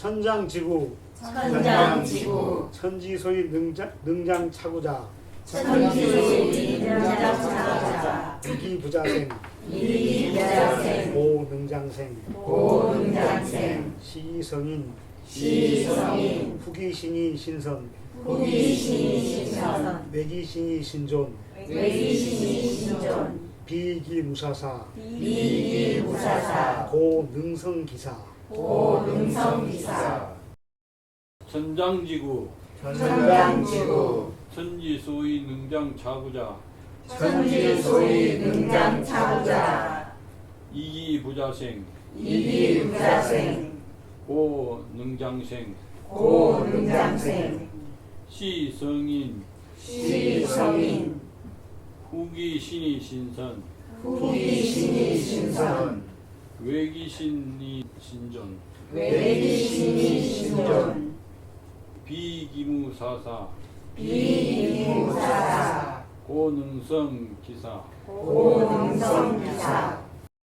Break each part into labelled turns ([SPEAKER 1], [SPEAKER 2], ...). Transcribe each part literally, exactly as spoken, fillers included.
[SPEAKER 1] 천장지구
[SPEAKER 2] 천장지구
[SPEAKER 1] 천지소위 능장, 능장차구자
[SPEAKER 2] 천지소위 능장차구자
[SPEAKER 1] 이기부자생
[SPEAKER 2] 이기부자생
[SPEAKER 1] 고능장생
[SPEAKER 2] 고능장생
[SPEAKER 1] 시성인
[SPEAKER 2] 시성인
[SPEAKER 1] 후기신이 신선
[SPEAKER 2] 후기신이 신선
[SPEAKER 1] 매기신이 신존
[SPEAKER 2] 외기신이 신존
[SPEAKER 1] 비기무사사
[SPEAKER 2] 비기무사사
[SPEAKER 1] 고능성기사
[SPEAKER 2] 고능성기사
[SPEAKER 3] 천장지구
[SPEAKER 2] 천장지구
[SPEAKER 3] 천지소위 능장차구자
[SPEAKER 2] 천지소위 능장차구자
[SPEAKER 3] 이기부자생
[SPEAKER 2] 이기부자생
[SPEAKER 3] 고능장생
[SPEAKER 2] 고능장생
[SPEAKER 3] 시성인
[SPEAKER 2] 시성인
[SPEAKER 3] 후기신이 신선
[SPEAKER 2] 후기신이 신선
[SPEAKER 3] 외기신이 신존
[SPEAKER 2] 외기신이 신존
[SPEAKER 3] 비기무사사
[SPEAKER 2] 비기무사사
[SPEAKER 3] 고능성기사
[SPEAKER 2] 고능성기사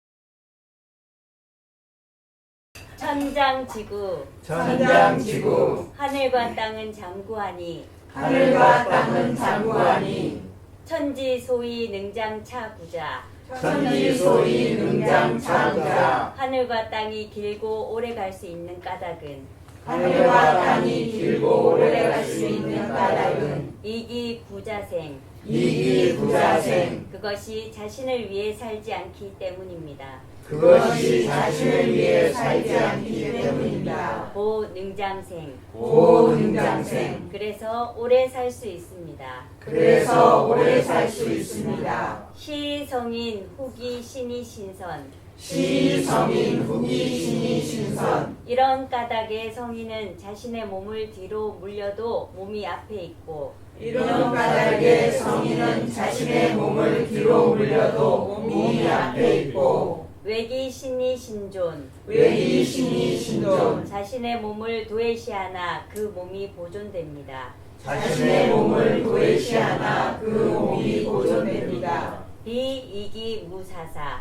[SPEAKER 4] 천장지구
[SPEAKER 2] 천장지구
[SPEAKER 4] 하늘과 땅은 장구하니
[SPEAKER 2] 하늘과 땅은 장구하니
[SPEAKER 4] 천지소위 능장차구자
[SPEAKER 2] 천지소위 능장차구자
[SPEAKER 4] 하늘과 땅이 길고 오래 갈 수 있는 까닭은
[SPEAKER 2] 하늘과 땅이 길고 오래 갈 수 있는 까닭은
[SPEAKER 4] 이기부자생
[SPEAKER 2] 이기부자생
[SPEAKER 4] 그것이 자신을 위해 살지 않기 때문입니다.
[SPEAKER 2] 그것이 자신을 위해 살지 않기 때문입니다.
[SPEAKER 4] 고능장생
[SPEAKER 2] 고능장생
[SPEAKER 4] 그래서 오래 살 수 있습니다.
[SPEAKER 2] 그래서 오래 살 수 있습니다.
[SPEAKER 4] 시성인 후기 신이 신선
[SPEAKER 2] 시성인 후기신이 신선
[SPEAKER 4] 이런 까닭에 성인은 자신의 몸을 뒤로 물려도 몸이 앞에 있고
[SPEAKER 2] 이런 까닭에 성인은 자신의 몸을 뒤로 물려도 몸이 앞에 있고
[SPEAKER 4] 외기신이 신존
[SPEAKER 2] 외기신이 신존
[SPEAKER 4] 자신의 몸을 도외시하나 그 몸이 보존됩니다.
[SPEAKER 2] 자신의 몸을 도외시하나 그 몸이 보존됩니다.
[SPEAKER 4] 비이기무사사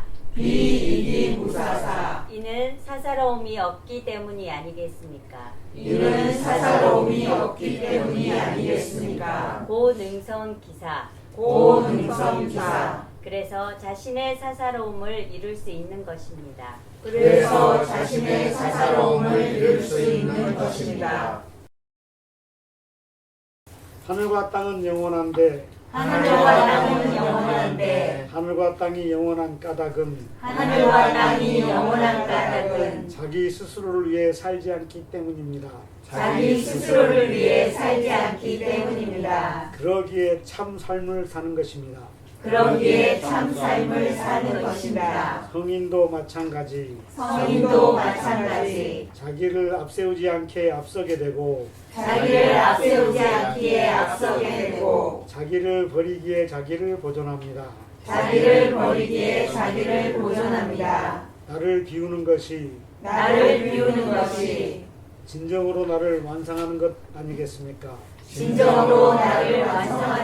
[SPEAKER 2] 비이기무사사
[SPEAKER 4] 이는 사사로움이 없기 때문이 아니겠습니까?
[SPEAKER 2] 이는 사사로움이 없기 때문이 아니겠습니까?
[SPEAKER 4] 고능성기사
[SPEAKER 2] 고능성기사
[SPEAKER 4] 그래서 자신의 사사로움을 이룰 수 있는 것입니다.
[SPEAKER 2] 그래서 자신의 사사로움을 이룰 수 있는 것입니다.
[SPEAKER 1] 하늘과 땅은 영원한데
[SPEAKER 2] 하늘과 땅은 영원한데
[SPEAKER 1] 하늘과 땅이 영원한 까닭은
[SPEAKER 2] 하늘과 땅이 영원한 까닭은
[SPEAKER 1] 자기 스스로를 위해 살지 않기 때문입니다.
[SPEAKER 2] 자기 스스로를 위해 살지 않기 때문입니다.
[SPEAKER 1] 그러기에 참 삶을 사는 것입니다.
[SPEAKER 2] 그러기에 참 삶을 사는 것입니다.
[SPEAKER 1] 성인도 마찬가지
[SPEAKER 2] 성인도 마찬가지
[SPEAKER 1] 자기를 앞세우지 않게 앞서게 되고
[SPEAKER 2] 자기를 앞세우지 않기에 앞서게 되고
[SPEAKER 1] 자기를 버리기에 자기를 보존합니다.
[SPEAKER 2] 자기를 버리기에 자기를 보존합니다.
[SPEAKER 1] 나를 비우는 것이
[SPEAKER 2] 나를 비우는 것이
[SPEAKER 1] 진정으로 나를 완성하는 것 아니겠습니까?
[SPEAKER 2] 진정으로 나를 완성하는